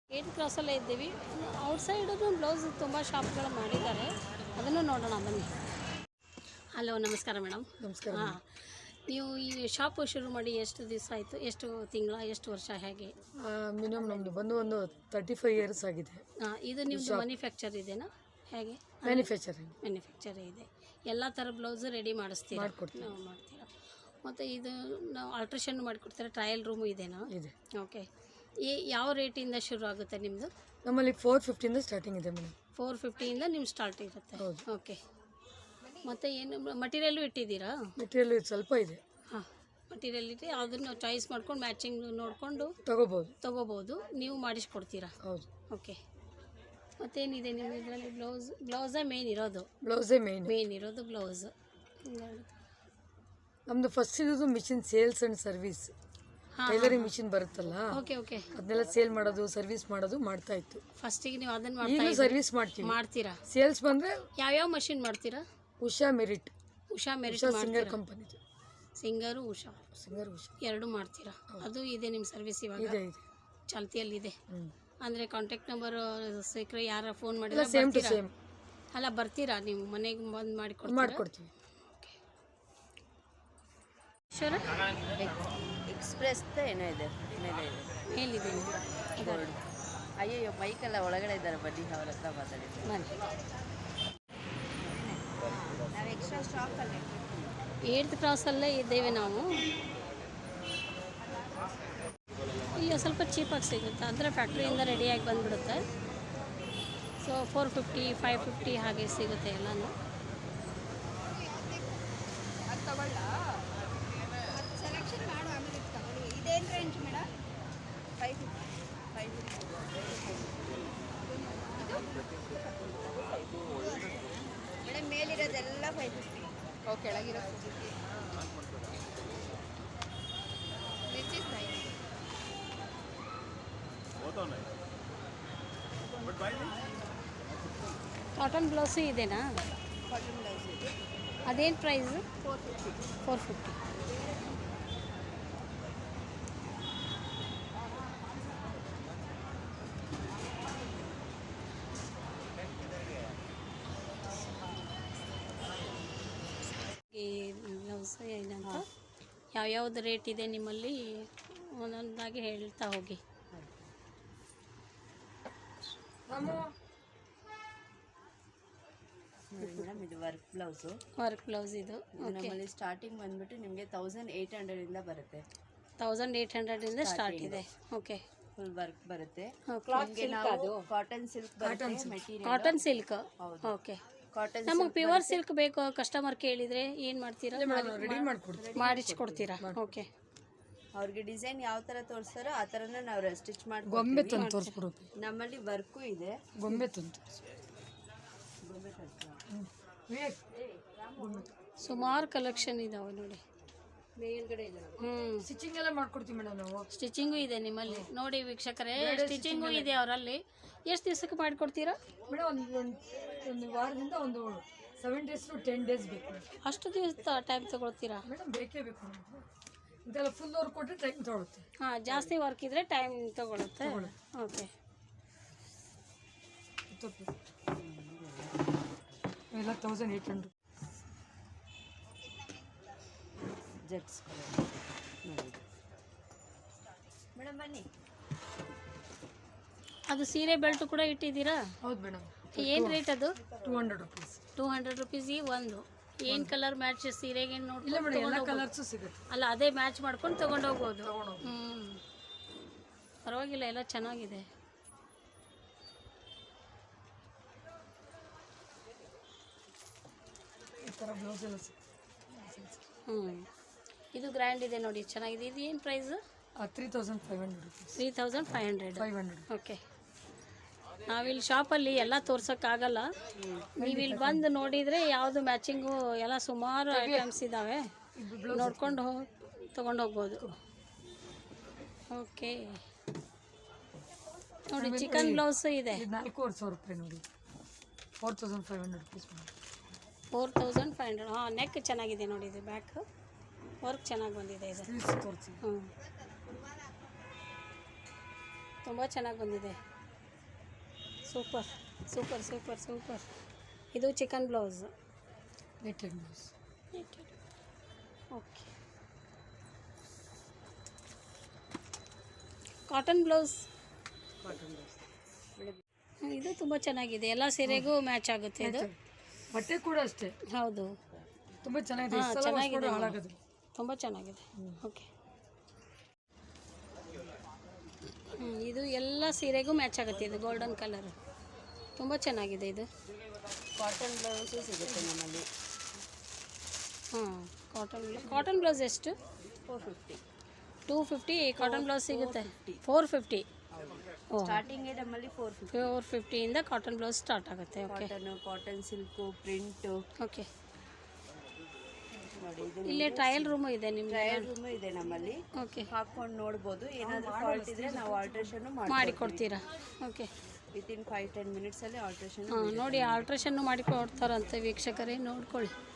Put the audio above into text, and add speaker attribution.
Speaker 1: 8 ಕ್ರಾಸಲ್ಲೇ ಇದ್ದೀವಿ. ಔಟ್ಸೈಡೂ ಬ್ಲೌಸ್ ತುಂಬ ಶಾಪ್ಗಳು ಮಾಡಿದ್ದಾರೆ, ಅದನ್ನು ನೋಡೋಣ ಬನ್ನಿ. ಹಲೋ, ನಮಸ್ಕಾರ ಮೇಡಮ್.
Speaker 2: ನಮಸ್ಕಾರ.
Speaker 1: ಹಾಂ, ನೀವು ಈ ಶಾಪು ಶುರು ಮಾಡಿ ಎಷ್ಟು ದಿವಸ ಆಯಿತು? ಎಷ್ಟು ತಿಂಗಳ, ಎಷ್ಟು ವರ್ಷ, ಹೇಗೆ?
Speaker 2: ಮಿನಿಮಮ್ ನಮ್ಮದು ಬಂದು ಒಂದು 35 ಇಯರ್ಸ್ ಆಗಿದೆ.
Speaker 1: ಹಾಂ, ಇದು ನಿಮ್ಮದು ಮ್ಯಾನುಫ್ಯಾಕ್ಚರ್ ಇದೆನಾ, ಹೇಗೆ? ಮ್ಯಾನುಫ್ಯಾಕ್ಚರ್ ಇದೆ. ಎಲ್ಲ ಥರ ಬ್ಲೌಸು ರೆಡಿ ಮಾಡಿಸ್ತೀರಾ? ನಾವು ಮಾಡ್ತೀರಾ. ಮತ್ತು ಇದು ನಾವು ಆಲ್ಟ್ರೇಷನ್ ಮಾಡಿಕೊಡ್ತೀರಾ? ಟ್ರಯಲ್ ರೂಮು ಇದೆನಾ?
Speaker 2: ಇದೆ.
Speaker 1: ಓಕೆ. ಯಾವ ರೇಟಿಂದ ಶುರು ಆಗುತ್ತೆ ನಿಮ್ಮದು?
Speaker 2: ನಮ್ಮಲ್ಲಿ 450 ಸ್ಟಾರ್ಟಿಂಗ್ ಇದೆ ಮೇಡಮ್.
Speaker 1: 450 ನಿಮ್ಮ ಸ್ಟಾರ್ಟ್ ಇರುತ್ತೆ. ಓಕೆ. ಮತ್ತು ಏನು ಮಟೀರಿಯಲ್ಲು ಇಟ್ಟಿದ್ದೀರಾ?
Speaker 2: ಮೆಟೀರಿಯಲ್ ಸ್ವಲ್ಪ ಇದೆ.
Speaker 1: ಹಾಂ, ಮಟೀರಿಯಲ್ ಇಟ್ಟು ಅದನ್ನು ಚಾಯ್ಸ್ ಮಾಡ್ಕೊಂಡು ಮ್ಯಾಚಿಂಗ್ ನೋಡಿಕೊಂಡು ತೊಗೋಬೋದು. ನೀವು ಮಾಡಿಸ್ಕೊಡ್ತೀರಾ?
Speaker 2: ಹೌದು.
Speaker 1: ಓಕೆ. ಮತ್ತೇನಿದೆ ನಿಮ್ಮ ಇದರಲ್ಲಿ? ಬ್ಲೌಸೇ ಮೇನ್ ಇರೋದು? ಮೇನ್ ಇರೋದು ಬ್ಲೌಸ್.
Speaker 2: ನಮ್ಮದು ಫಸ್ಟ್ ಇರೋದು machine sales and service. Tailoring machine ಬರುತ್ತಲ್ಲ,
Speaker 1: ಓಕೆ ಓಕೆ,
Speaker 2: ಅದನ್ನೆಲ್ಲ ಸೇಲ್ ಮಾಡೋದು, ಸರ್ವಿಸ್ ಮಾಡೋದು ಮಾಡ್ತಾ ಇತ್ತು.
Speaker 1: ಫಸ್ಟಿಗೆ ನೀವು ಅದನ್ನು
Speaker 2: ಈಗ ಸರ್ವಿಸ್ ಮಾಡ್ತೀರಾ? ಸೇಲ್ಸ್ ಬಂದರೆ
Speaker 1: ಯಾವ್ಯಾವ ಮಷಿನ್ ಮಾಡ್ತೀರಾ?
Speaker 2: Usha Merritt
Speaker 1: Singer
Speaker 2: company.
Speaker 1: Singer Usha ಎರಡು ಮಾಡ್ತೀರಾ? ಅದು ಇದೆ ನಿಮ್ಮ ಸರ್ವಿಸ್ ಇವಾಗ?
Speaker 2: ಇದೆ,
Speaker 1: ಚಾಲ್ತಿಯಲ್ಲಿದೆ. ಅಂದರೆ ಕಾಂಟ್ಯಾಕ್ಟ್ ನಂಬರ್ ಸಿಕ್ಕರೆ ಯಾರು ಫೋನ್
Speaker 2: ಸೇಮ್
Speaker 1: ಮಾಡಿದ್ರೆ ಅಲ್ಲ ಬರ್ತೀರಾ? ನೀವು ಮನೆಗೆ ಬಂದು
Speaker 2: ಮಾಡ್ಕೊಡ್ತೀವಿ.
Speaker 1: ಓಕೆ. ಶೋರ
Speaker 3: ಎಕ್ಸ್ಪ್ರೆಸ್ ಏನೋ ಇದೆ,
Speaker 1: ಮೇಲಿದೆ.
Speaker 3: ಅಯ್ಯೋ ಬೈಕೆಲ್ಲ ಒಳಗಡೆ ಇದ್ದಾರೆ, ಬನ್ನಿ ಅವ್ರ ಹತ್ರ ಮಾತಾಡಿದ್ವಿ. ನಾವು ಎಕ್ಸ್ಟ್ರಾ ಸ್ಟಾಕಲ್ಲೇ
Speaker 1: 8th ಕ್ರಾಸಲ್ಲೇ ಇದ್ದೇವೆ ನಾವು. ಇಲ್ಲಿ ಸ್ವಲ್ಪ ಚೀಪಾಗಿ ಸಿಗುತ್ತೆ, ಅಂದರೆ ಫ್ಯಾಕ್ಟ್ರಿಯಿಂದ ರೆಡಿಯಾಗಿ ಬಂದುಬಿಡುತ್ತೆ. ಸೊ 450, 550 ಹಾಗೆ ಸಿಗುತ್ತೆ ಎಲ್ಲನೂ.
Speaker 4: ಸೆಲೆಕ್ಷನ್ ಮಾಡು, ಆಮೇಲೆ ತಗೊಳ್ಳಿ. ಇದೇನು ರೇಂಜ್ ಮೇಡಮ್? 550 ಮೇಡಮ್. ಮೇಲಿರೋದೆಲ್ಲ 550. ಕೆಳಗಿರೋ
Speaker 1: ಕಾಟನ್ ಬ್ಲೌಸು ಇದೆನಾ?
Speaker 4: ಕಾಟನ್ ಬ್ಲೌಸ್ ಇದೆ.
Speaker 1: ಅದೇನು ಪ್ರೈಸು? 450. ಈ ಬ್ಲೌಸ್ ಏನಂತ ಯಾವ್ಯಾವ್ದು ರೇಟ್ ಇದೆ ನಿಮ್ಮಲ್ಲಿ ಒಂದೊಂದಾಗಿ ಹೇಳ್ತಾ ಹೋಗಿ.
Speaker 3: ಮೇಡಮ್ ಇದು ವರ್ಕ್
Speaker 1: ಬ್ಲೌಸ್ ಇದು
Speaker 3: ನಮ್ಮಲ್ಲಿ ಸ್ಟಾರ್ಟಿಂಗ್ ಬಂದ್ಬಿಟ್ಟು ನಿಮಗೆ 1800 ಇಂದ ಬರುತ್ತೆ.
Speaker 1: 1800 ಇಂದ ಸ್ಟಾರ್ಟ್ ಇದೆ. ಓಕೆ.
Speaker 3: ಫುಲ್ ವರ್ಕ್ ಬರುತ್ತೆ. Cotton
Speaker 1: silk. ಓಕೆ. ನಮಗೆ ಪ್ಯೂರ್ ಸಿಲ್ಕ್ ಬೇಕು, ಕಸ್ಟಮರ್ ಕೇಳಿದರೆ ಏನು ಮಾಡ್ತೀರಾ? ಮಾಡಿಸ್ಕೊಡ್ತೀರಾ? ಓಕೆ.
Speaker 3: ಅವ್ರಿಗೆ ಡಿಸೈನ್ ಯಾವ ಥರ ತೋರಿಸ್ತಾರೋ ಆ ಥರನ ನಾವು ಸ್ಟಿಚ್ ಮಾಡಿ
Speaker 2: ಗೊಂಬೆ ತಂದು ತೋರಿಸ್ಬಿಡೋದು.
Speaker 3: ನಮ್ಮಲ್ಲಿ ವರ್ಕು ಇದೆ.
Speaker 2: ಗೊಂಬೆ ತಂದು
Speaker 1: ಸುಮಾರು ಕಲೆಕ್ಷನ್ ಇದಾವೆ ನೋಡಿ.
Speaker 2: ಸ್ಟಿಚಿಂಗ್ ಎಲ್ಲ ಮಾಡ್ಕೊಡ್ತೀವಿ ಮೇಡಮ್ ನಾವು.
Speaker 1: ಸ್ಟಿಚಿಂಗು ಇದೆ ನಿಮ್ಮಲ್ಲಿ ನೋಡಿ ವೀಕ್ಷಕರೇ, ಸ್ಟಿಚಿಂಗು ಇದೆ ಅವರಲ್ಲಿ. ಎಷ್ಟು ದಿವಸಕ್ಕೆ ಮಾಡಿಕೊಡ್ತೀರಾ
Speaker 2: ಮೇಡಮ್? ಒಂದು ವಾರದಿಂದ ಒಂದು 7 days to 10 days ಬೇಕು.
Speaker 1: ಅಷ್ಟು ದಿವಸ ಟೈಮ್ ತಗೊಳ್ತೀರಾ
Speaker 2: ಮೇಡಮ್? ಬೇಕೇ ಬೇಕು ಮೇಡಮ್. ಇದೆಲ್ಲ ಫುಲ್ ವರ್ಕ್ ಕೊಟ್ಟರೆ ಟೈಮ್ ತಗೊಳುತ್ತೆ.
Speaker 1: ಹಾಂ, ಜಾಸ್ತಿ ವರ್ಕ್ ಇದ್ದರೆ ಟೈಮ್ ತಗೊಳುತ್ತೆ. ಓಕೆ.
Speaker 2: ಎಲ್ಲ 1800
Speaker 3: ಜೆಟ್ಸ್ ಮೇಡಮ್. ಬನ್ನಿ.
Speaker 1: ಅದು ಸೀರೆ ಬೆಲ್ಟು ಕೂಡ ಇಟ್ಟಿದ್ದೀರಾ?
Speaker 2: ಹೌದು ಮೇಡಮ್.
Speaker 1: ಏನು ರೇಟ್ ಅದು?
Speaker 2: 200 rupees.
Speaker 1: 200 rupees ಈ ಒಂದು. ಏನು ಕಲರ್ ಮ್ಯಾಚ್ ಸೀರೆಗೆ ನೋಡಿ?
Speaker 2: ಇಲ್ಲ ಮೇಡಮ್, ಎಲ್ಲ ಕಲರ್ಸು ಸಿಗುತ್ತೆ.
Speaker 1: ಅಲ್ಲ, ಅದೇ ಮ್ಯಾಚ್ ಮಾಡ್ಕೊಂಡು ತೊಗೊಂಡೋಗ್ಬೋದು. ಪರವಾಗಿಲ್ಲ, ಎಲ್ಲ ಚೆನ್ನಾಗಿದೆ.
Speaker 2: ಈ ಥರ ಬ್ಲೌಸ್ ಎಲ್ಲ
Speaker 1: ಇದು ಗ್ರ್ಯಾಂಡ್ ಇದೆ ನೋಡಿ, ಚೆನ್ನಾಗಿದೆ. ಇದು ಏನು ಪ್ರೈಸು?
Speaker 2: 3500 rupees.
Speaker 1: 3500. ಓಕೆ. ನಾವಿಲ್ಲಿ ಶಾಪಲ್ಲಿ ಎಲ್ಲ ತೋರ್ಸೋಕ್ಕಾಗಲ್ಲ, ನೀವು ಇಲ್ಲಿ ಬಂದು ನೋಡಿದರೆ ಯಾವುದು ಮ್ಯಾಚಿಂಗು ಎಲ್ಲ ಸುಮಾರು ಐಟಮ್ಸ್ ಇದ್ದಾವೆ, ನೋಡ್ಕೊಂಡು ತೊಗೊಂಡೋಗ್ಬೋದು. ಓಕೆ. ನೋಡಿ ಚಿಕನ್ ಬ್ಲೌಸ್ ಇದೆ.
Speaker 2: 4500 ರೂಪಾಯಿ ನೋಡಿ. 4500 rupees.
Speaker 1: 4500. ಹಾಂ, ನೆಕ್ ಚೆನ್ನಾಗಿದೆ ನೋಡಿ, ಇದು ಬ್ಯಾಕ್ ವರ್ಕ್ ಚೆನ್ನಾಗಿ ಬಂದಿದೆ. ಇದು ತುಂಬ ಚೆನ್ನಾಗಿ ಬಂದಿದೆ. Super super super super. ಇದು chikan blouse.
Speaker 2: Netted blouse.
Speaker 1: Okay. Cotton blouse. ಇದು ತುಂಬ ಚೆನ್ನಾಗಿದೆ, ಎಲ್ಲ ಸೀರೆಗೂ ಮ್ಯಾಚ್ ಆಗುತ್ತೆ ಇದು.
Speaker 2: ಬಟ್ಟೆ ಕೂಡ ಅಷ್ಟೇ.
Speaker 1: ಹೌದು,
Speaker 2: ತುಂಬ ಚೆನ್ನಾಗಿದೆ.
Speaker 1: ಚೆನ್ನಾಗಿದೆ,
Speaker 2: ಹಾಳಾಗೋದು.
Speaker 1: ತುಂಬ ಚೆನ್ನಾಗಿದೆ. ಓಕೆ. ಇದು ಎಲ್ಲ ಸೀರೆಗೂ ಮ್ಯಾಚ್ ಆಗುತ್ತೆ. ಇದು ಗೋಲ್ಡನ್ ಕಲರು ತುಂಬ ಚೆನ್ನಾಗಿದೆ. ಇದು
Speaker 3: ಕಾಟನ್ ಬ್ಲೌಸು ಸಿಗುತ್ತೆ ನಮ್ಮಲ್ಲಿ.
Speaker 1: ಹಾಂ, ಕಾಟನ್ ಬ್ಲೌಸ್ ಎಷ್ಟು?
Speaker 3: 450.
Speaker 1: 250 ಕಾಟನ್ ಬ್ಲೌಸ್ ಸಿಗುತ್ತೆ. 450. ಓ,
Speaker 3: ಸ್ಟಾರ್ಟಿಂಗೇ ನಮ್ಮಲ್ಲಿ 450.
Speaker 1: 450ಇಂದ ಕಾಟನ್ ಬ್ಲೌಸ್ ಸ್ಟಾರ್ಟ್ ಆಗುತ್ತೆ. Okay.
Speaker 3: Cotton silk, print.
Speaker 1: Okay.
Speaker 3: ನೋಡಿ, ಇದು
Speaker 1: ಇಲ್ಲಿ ಟ್ರಯಲ್ ರೂಮು ಇದೆ ನಿಮ್ಗೆ?
Speaker 3: ಟ್ರಯಲ್ ರೂಮು ಇದೆ ನಮ್ಮಲ್ಲಿ.
Speaker 1: ಓಕೆ.
Speaker 3: ಹಾಕೊಂಡು ನೋಡ್ಬೋದು. ಏನಾದರೂ ಫಾಲ್ಟ್ ಇದ್ರೆ ನಾವು ಆಲ್ಟ್ರೇಷನ್
Speaker 1: ಮಾಡಿಕೊಡ್ತೀರಾ? ಓಕೆ.
Speaker 3: ವಿತಿನ್ 5-10 ಮಿನಿಟ್ಸಲ್ಲಿ ಆಲ್ಟ್ರೇಷನ್.
Speaker 1: ಹಾಂ, ನೋಡಿ ಆಲ್ಟ್ರೇಷನ್ನು ಮಾಡಿಕೊಡ್ತಾರಂತೆ ವೀಕ್ಷಕರೇ, ನೋಡ್ಕೊಳ್ಳಿ.